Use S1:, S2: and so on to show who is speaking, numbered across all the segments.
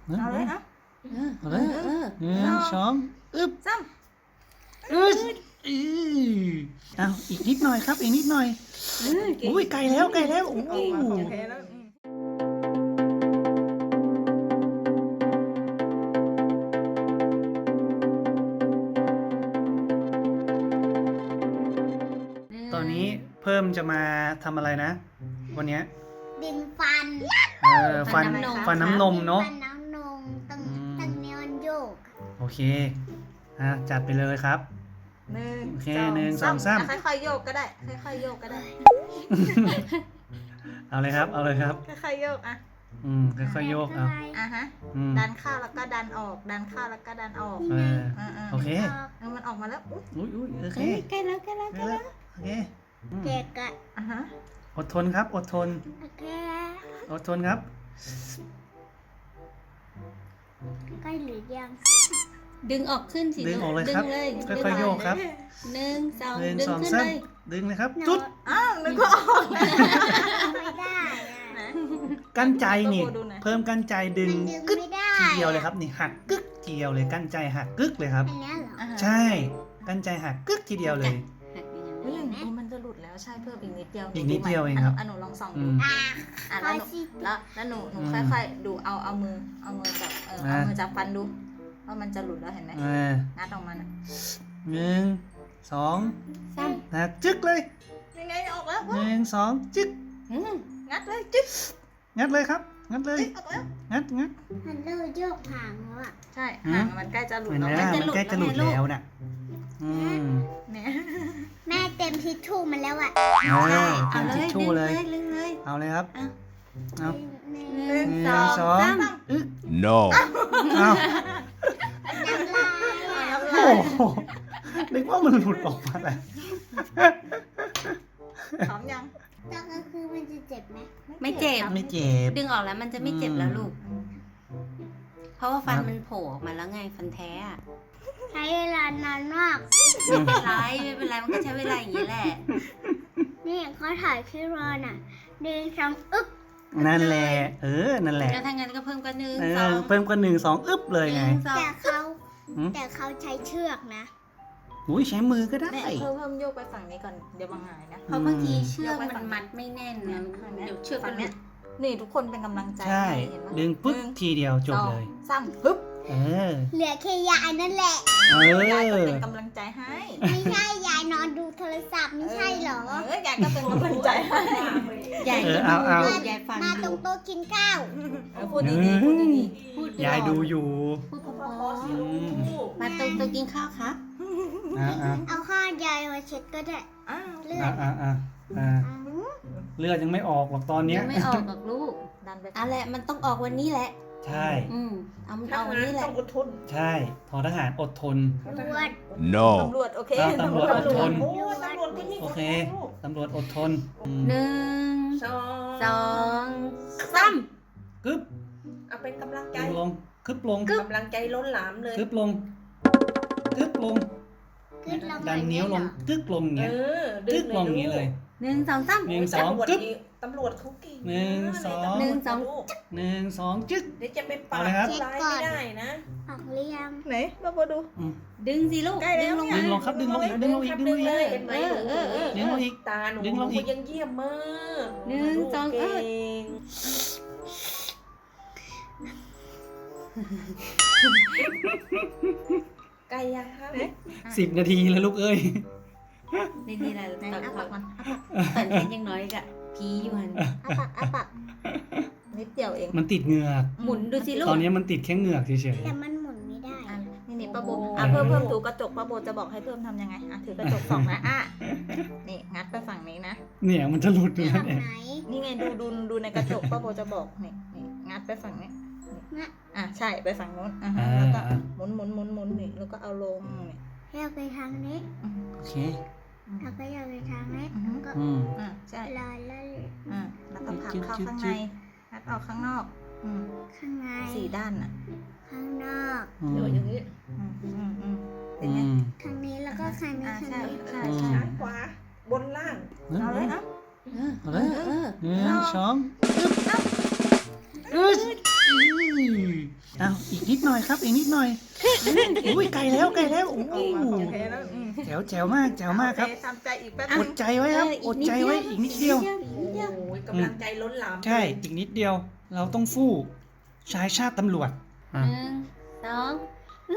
S1: เอาเลยอ่ะ
S2: เอาเลยหนึ่งสองอึ๊บ
S1: ซ้
S2: เอาอีกนิดหน่อยครับอีกนิดหน่อยอุ้ยไกลแล้วโอ้
S1: ำออกมาของแท้แล้ว
S2: ตอนนี้เพิ่มจะมาทำอะไรนะวันเนี้ย
S3: ดึงฟัน
S2: ฟันน้ำนมเนาะ
S3: ฟันน้ำนมตั้งเนี้ยมันโยก
S2: โอเคจัดไปเลยครับ
S1: หนึ่ง
S2: โอเคหนึ่งสองสาม
S1: ค่อยๆโยกก็ได้ค่อยๆโยกก็ได้
S2: เอาเลยครับเอาเลยครับ
S1: ค่อยๆโยกอ่ะ
S2: ค่อยๆโยกเอา
S1: อ่ะฮะ ดันเข้าแล้วก็ดันออกดันเข้าแล้วก็ดันออก
S2: โอเค
S1: มันออกมาแล้วอุ๊ย
S2: อุ้ยโอเค
S3: ใกล้แล้ว
S2: โอเค
S3: เด็กอะ
S1: อ่ะฮะ
S2: อดทนครับอดทน
S3: โอเค
S2: อดทนครับ
S3: ใกล้หรือยัง
S4: ดึงออกขึ้นสิ
S2: ดึงออกเลยครับ
S4: ดึงเลย
S2: ค่อยๆโยกครับ
S4: หนึ่งสอง
S2: หนึ่ง
S4: ดึง
S2: สอง
S4: ขึ้น
S2: สาม
S4: เลย
S2: ดึงเลยครับจุด
S1: อ้าวนึกว่าออกแล้ว
S3: ไม่ได้อะ
S1: นะ
S2: กั้นใจนี่
S1: ดูหน่อย
S2: เพิ่มกั้นใจดึง
S3: มันดึง
S2: กึ๊ก
S3: ไม่ได้
S2: ทีเดียวเลยครับนี่หักกึ๊กทีเดียวเลยกั้นใจหักกึ๊กเลยครับ
S3: อันเนี้ยเหรอ
S1: อ่ะฮะ
S2: ใช่กั้นใจหักกึ๊กทีเดียวเลย
S4: หักอย่างนั้น
S1: เฮ้ยอย่างนี้มันจะหลุดแล้วใช่เพิ่มอีกนิดเดียว
S2: อีกนิดเดียวเองครับ
S1: หนูลองส่อง
S2: อื
S1: ดู
S2: ม
S3: อ่ะ
S1: อ่ะ
S3: พอสิ
S1: แล้วหนูค่อยๆดูเอามือจับเอามือจับฟันดูว่ามันจะหลุดแล้วเห็นไหมงัดออกมาน่ะ
S2: หนึ่งสอง
S4: ซ้
S2: จึ๊กเลย
S1: ยังไงออกแล้ว
S2: หนึ่งสองจึ๊ก
S4: ำ
S1: งัดเลยจิ๊บ
S2: งัดเลยครับงัดเลย
S1: ออกแล้ว
S2: งัด
S3: มันเริ่มโยกหางแล้วอะ
S1: ใช่ห่างมันใกล้จะหลุด
S2: เห็น
S1: แล้ว
S2: ไหมมันใกล้จะหลุดแล้วน่ะ
S1: เนี่ย
S3: แม่เต็มทิชชู่มันแล้วอะ
S2: เต็
S4: เอา
S2: ม
S4: เล
S2: ทิช
S4: ย
S2: ชู่เลย
S4: ดึงเลย
S2: เอาเลยครับเอา
S3: หนึ่ง
S1: หนึ่ง
S2: หนึ่งสองอึ๊ก
S5: No.
S2: เอา
S3: น้ำลายอะ
S2: โอ้โหนึกว่ามันหลุดออกมาแล้ว
S1: พร้อมยัง
S3: ตอนกลางคืนมันจะเจ็บไหม
S4: ไม่เจ็บ
S2: ไม่เจ็บ
S4: ดึงออกแล้วมันจะไม่เจ็บแล้วลูก เพราะว่าฟันมันโผล่ออกมาแล้วไงฟันแท้อะ
S3: ใช้เวลานานมาก
S4: ไม่เป็นไรไม่เป็นไรมันก็ใช้เวลาอย่างนี้แหละ
S3: นี่เขาถ่ายคลิปเราน่ะดึงสองอึ๊บ
S2: นั่นแหละนั่นแหละ
S4: แล้วถ้างั้นก็เพิ่มก็หนึ่ง
S2: เอ
S4: สอ
S2: อง เพิ่มก็หนึ่งสองอึ๊บเลย
S4: ห
S2: ไง
S4: นึ่งสอง
S3: แต่เขาใช้เชือกนะ
S2: อุ้ยใช้มือก็ได้
S1: แม่เพิ่มโยกไปฝั่งนี้ก่อนเดี๋ยวบางหายนะ
S4: เพราะบางทีเชือกมันมัดไม่แน่นนะเดี๋ยวเชือก
S1: ฝั่
S4: มัน
S1: งเนี้ยนี่ทุกคนเป็นกำลังใจ
S2: ใช่
S1: เห็นไหม
S2: ดึงปึ๊บทีเดียวจบเลย
S1: สามปึ๊บ
S2: เออ
S3: เหลือแค่ยายนั่นแหละ
S1: ยายก็เป็นกำลังใจให้
S3: ไม่ใช่ยายนอนดูโทรศัพท์ไม่ใช่เหรอ
S1: ยายก็เป็นกำลังใจให้
S4: ยาย
S2: เอา
S4: ยายฟัง
S3: มาตร
S4: ดู
S3: งโต๊ะกินข้าว
S1: พูดดีๆพูดดี
S4: พูด
S2: ยายดูอยู่
S4: พูดเพราะ
S2: อืม
S4: ๆมาตรงตัวกินข้าวครับ
S3: เอาข้าวยายมาเช็ดก็ได้
S1: ๆอ้าว
S3: เลือด
S2: เลือดยังไม่ออกหรอกตอนเนี้ย
S4: ยังไม่ออกหรอกลูก
S1: ดันไป
S4: อะไรมันต้องออกวันนี้แหละ
S2: ใช่
S4: เอามันออกวันนี้แหละ
S2: ใช่ทอทหารอดทน
S3: รวด
S5: No.
S1: ตำรวจโอเค
S2: ตำรวจอดทน
S3: รวด
S2: โอเคตำรวจอดทน
S4: หนึ่ง
S1: สอง
S4: สองสาม
S2: กึ๊บ
S6: เอาเป็นกำลังใจ
S2: ลงคึบลง
S6: กำลังใจล้นหลามเลย
S2: คึบลงกึ๊บลง
S3: ขึ้นลง
S2: ดันนิ้วลงกึ๊กลงอย่าง
S6: เอ
S2: เงี้ย
S6: อ
S2: กึ๊กลงอย่างงี้เลย
S4: หนึ่งสองสาม
S2: หนึ่งสอง
S6: ตำรวจ
S2: กึ๊บ
S6: นี่ตำรวจเขาเก่ง
S2: หนึ่งสอง
S4: หนึ่งสอง
S2: หนึ่งสองจึ๊ก
S6: เดี๋ยวจะเป็นปาก
S2: เอาเลยครับ
S6: ร้ายไม่ได้นะ
S3: ออกเรียง
S1: ไหนมาดู
S4: ดึงสิลูก
S1: ใกล้แล้ว
S4: ดึงลง
S2: ดึ
S4: มาง
S2: ลงครับดึงลงอีกดึงลงอีกดึงลงอีก
S6: เลยเห็นไหม
S2: ดึงลงอีก
S6: ตาหนู
S2: ดึงลงอีก
S6: ยังเยี่ยมมาก
S4: หนึ่งสอง
S6: เก่งไก่ยังครับ
S2: 10 นาทีแล้วลูกเอ้ย
S4: นี่แหละ
S1: ไหน
S4: ตอน
S1: อ้าปากมัน
S4: ตอนฉันยังน้อยกะผีอยู่หัน
S1: อ้าปากนิดเดียวเอง
S2: มันติดเหงือก
S4: หมุนดูสิลูก
S2: ตอนนี้มันติดแค่เหงือกเฉย
S3: แต่มันหมุนไม่ได้
S1: นี่ป้าโบเพิ่มถูกระจกป้าโบจะบอกให้เพิ่มทำยังไงถือกระจกสองนะนี่งัดไปฝั่งนี้นะ
S2: ๆเนี่ยมันจะหลุดอยู่แล้ว
S3: ฝั่ง
S2: เนี่ย
S3: ไหน
S1: นี่ไงดูในกระจกป้าโบจะบอกนี่งัดไปฝั่งนี้ใช่ไปฝั่งนู้นแล้วก็หมุนนี่แล้วก็เอาลงนี่
S3: อยากไปทางนี้
S2: โอเค
S3: เราก็อยากไปทางนี้แล้วก็
S1: ใช่
S3: ลอยแล้ว
S1: แล้วก็ผลักเข้าข้างในงัดออกข้างนอก
S3: ข้างใน
S1: สี่ด้านน่ะ
S3: ข้างนอก
S1: เดี๋ยวอย่างนี้เป็นไง
S3: ข้างนี้แล้วก็ข้างนี้ข้าง
S1: ใช่
S3: นี้
S1: ใช่
S6: ซ้ายขวาบนล่าง
S1: เอาเลยนะ
S2: เอาเลยหนึ่งสองอึ๊บเอาอีกนิดหน่อยครับ อีกนิดหน่อยอุ้ยไกลแล้วไกลแล้วโอ้
S1: เอามาของแท้แล้ว
S2: แจ๋วแจ๋วมากแจ๋วมากครับ
S1: โอเทำใจอีกแป๊บ
S2: อ
S1: นึ
S2: ด
S1: ง
S2: ใจไว้ครับอดใจไว้อีกนิดเดียว
S6: โอ้ยกำลังใจล้นหลาม
S2: ใช่อีกนิดเดียว เราต้องสู้ชายชาติตำรวจอ่ะ
S4: 1 2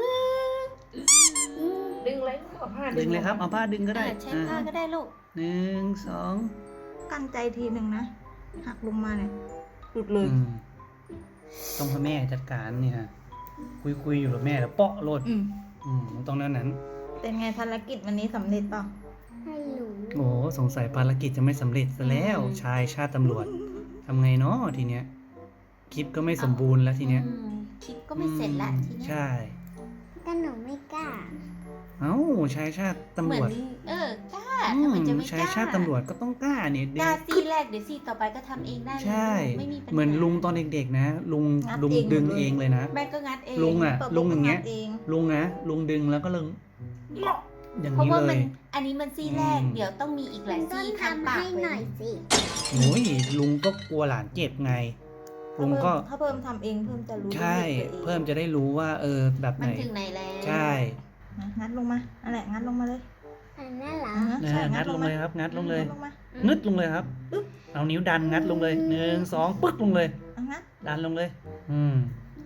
S6: ดึงเลยเอาผ้า
S2: ดึงเลยครับเอาผ้าดึงก็ได้
S4: ใช้ผ้าก็ได้ลูก
S2: 1 2
S1: กันใจทีหนึ่งนะหักลงมาเนี่ยหลุดเลย
S2: ต้องให้แม่จัดการเนี่ยคุยอยู่กับแม่แล้วเปาะโลดต้องนั้น
S1: เป็นไงภารกิจวันนี้สำเร็จเปล่า
S3: ให้หนู
S2: โอ้สงสัยภารกิจจะไม่สำเร็จซะแล้ว ชายชาติตำรวจทำไงเนาะทีเนี้ยคลิปก็ไม่สมบูรณ์แล้วทีเนี้ย
S4: คลิปก็ไม่เสร็จละทีเนี้ย
S2: ใช่
S3: แต่หนูไม่กล้า
S2: เอ้าชายชาติตำ
S4: เห
S2: ร
S4: มือ
S2: วน จ
S4: กล้าทำไมจะไม่ก
S2: ชาย
S4: ล้า
S2: ชาติตำรวจก็ต้องกล้าเนี่ย
S4: กล้าซี่แรกเดี๋ยวซี่ต่อไปก็ทำเองได้เลย
S2: ใช่
S4: ไม่มีปัญหา
S2: เหมือนลุงตอนเด็กๆนะลุงดึงเองเลยนะ
S4: แม่ก็งัดเอง
S2: ลุงอ่ะ
S1: ปิด
S2: ลุงอย่างเงี้ย
S1: เอง
S2: ลุงดึงแล้วก็อย่าง
S4: เพราะ
S2: นี้
S4: ว่า
S2: เล
S4: มัน
S2: ย
S4: อันนี้มันซี่แรก
S2: อืม
S4: เดี๋ยวต้องมีอีกหลาย
S3: ต้น
S4: ซี่ทาง
S3: ทำ
S4: ปาก
S3: ให้
S4: เล
S3: หน่อย ยสิ
S2: โอ้ยลุงก็กลัวหลานเจ็บไงลุงก็
S1: ถ้าเพิ่มทำเองเพิ่มจะรู้
S2: ใช่
S1: ตัวอง
S2: เพิ่มจะได้รู้ว่าแบบไห
S4: มัน นถึงไหนแล้ว
S2: ใช่
S1: นะงัดลงมาอะไรงัดลงมาเลย
S3: อันนั้นเหรอ
S1: ใช่
S2: งัดลงเลยครับงัดลงเลย
S1: งัดลงมา
S2: งึดลงเลยครับ เอานิ้วดันงัดลงเลย1 2ปึ๊กลงเลย
S1: เอางัด
S2: ดันลงเลย
S3: หนึ่ง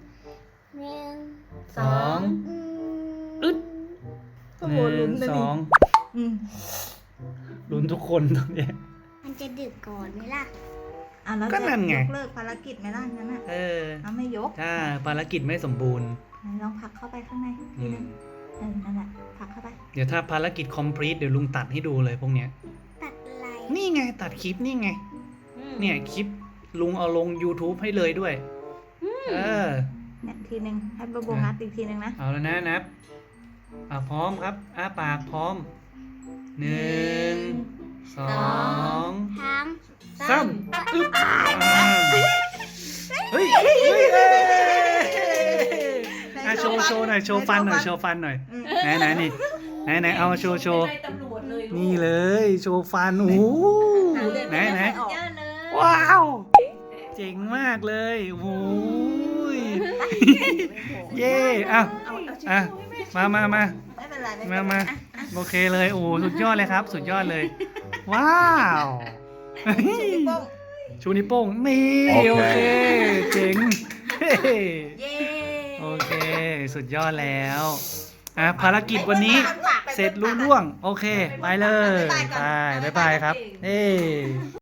S2: สอง
S3: อืม
S2: อึด
S1: ก็โหลุ้นเลย
S2: 1
S1: ดิ
S2: 2ลุ้นทุกคนตรงเนี้ย
S3: มันจะดึกก่อนไหมล่ะ
S1: อ่ะแล้ว
S2: ก็
S1: จะ
S2: นั่นไง
S1: ยกเลิกภารกิจไหมล่ะงั้นอ่ะเอาไม่ยก
S2: ถ้าภารกิจไม่สมบูรณ์
S1: ไหนลองผลักเข้าไปข้างในทีนึงนั่นแหละผลักเข้าไป
S2: เดี๋ยวถ้าภารกิจ complete เดี๋ยวลุงตัดให้ดูเลยพวกเนี้ย
S3: ตัดอะไร
S2: นี่ไงตัดคลิปนี่ไง เนี่ยคลิปลุงเอาลง YouTube ให้เลยด้วย
S1: เนี่ยทีนึงให้โบโบงัดอีกทีนึงนะ
S2: เอาแล้วนะนับพร้อมครับปากพร้อม 1 2
S3: ทั้ง
S2: 3อึ๊บเฮ้ยโชว์หน่อยโชว์ฟันหน่อยไหนนี่ไหนเอามาโชว์
S6: ไม่ได้ตำรวจเลยลูก
S2: นี่เลยโชว์ฟันโอ้โหไหน
S1: ออก
S4: เยอะเลย
S2: ว้าวเจ๋งมากเลยโอ้ยเย่อ่ะมา
S1: ไม่เป็นไรไม่เป็นไร
S2: มาโอเคเลยโอ้สุดยอดเลยครับ สุดยอดเลย ว้าว
S1: นิ้วโป้ง
S2: ชูนิ้วโป้งนี่โอเคเจ๋ง
S1: เย้
S2: โอเค สุดยอดแล้วภารกิจวันนี้เสร็จรุ่ร่วงโอเค ไปเลยไปบ๊ายบายครับ